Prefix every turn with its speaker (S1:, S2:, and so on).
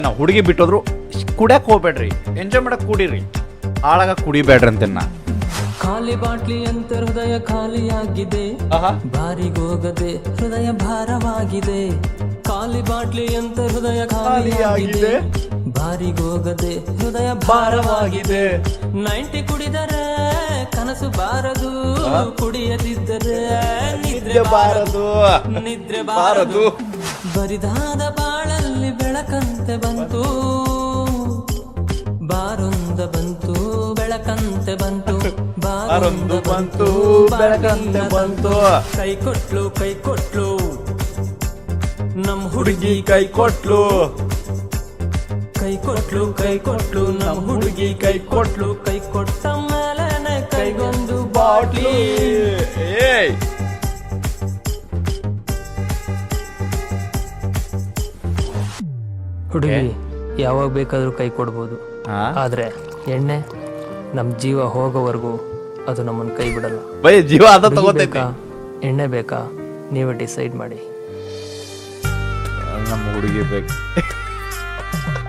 S1: ನಾವು ಹುಡುಗಿ ಬಿಟ್ಟೋದ್ರು ಕುಡಿಯಕ್ಕೆ ಹೋಗ್ಬೇಡ್ರಿ, ಎಂಜಾಯ್ ಮಾಡಕ್ಕೆ ಕುಡೀರಿ, ಹಾಳಾಗ ಕುಡಿಬೇಡ್ರಿ ಅಂತೆನ್ನ.
S2: ಖಾಲಿ ಬಾಟ್ಲಿ ಅಂತ ಹೃದಯ ಖಾಲಿಯಾಗಿದೆ, ಬಾರಿಗೋಗದೆ ಹೃದಯ ಭಾರವಾಗಿದೆ. ಖಾಲಿ ಬಾಟ್ಲಿ ಅಂತ ಹೃದಯ ಖಾಲಿಯಾಗಿದೆ, ಬಾರಿಗೋಗದೆ ಹೃದಯ ಭಾರವಾಗಿದೆ. 90 ಕುಡಿದರೆ ಕನಸು ಬಾರದು, ಕುಡಿಯದಿದ್ದರೆ ನಿದ್ರೆ ಬಾರದು, ನಿದ್ರೆ ಬಾರದು. ಬರಿದಾದ ಬಾಳಲ್ಲಿ ಬೆಳಕಂತೆ ಬಂತು, ಬಾರೊಂದ ಬಂತು ಬೆಳಕಂತೆ ಬಂತು, ಬಾರೊಂದು ಬಂತು ಬೆಳಕಂತೆ ಬಂತು. ಕೈ ಕೊಟ್ಲು ಕೈ ಕೊಟ್ಲು ನಮ್ ಹುಡುಗಿ, ಕೈ ಕೊಟ್ಲು ಕೈ ಕೊಟ್ಲು ಕೈ ಕೊಟ್ಲು ನಮ್ ಹುಡುಗಿ, ಕೈ ಕೊಟ್ಲು. ಕೈ ಕೊಟ್ಟ ಮೇಲೆನೆ ಕೈಗೊಂದು ಬಾಟ್ಲಿ. ಹುಡುಗಿ ಯಾವಾಗ ಬೇಕಾದ್ರೂ ಕೈ ಕೊಡ್ಬೋದು, ಆದ್ರೆ ಎಣ್ಣೆ ನಮ್ ಜೀವ ಹೋಗೋವರೆಗೂ ಅದು ನಮ್ಮನ್ನ ಕೈ ಬಿಡಲ್ಲ.
S1: ಜೀವ ಅದ ತಗೋತೈತಿ.
S2: ಎಣ್ಣೆ ಬೇಕಾ ನೀವೇ ಡಿಸೈಡ್ ಮಾಡಿ.
S1: ನಮ್ಮ ಹುಡುಗಿ ಬೇಕು.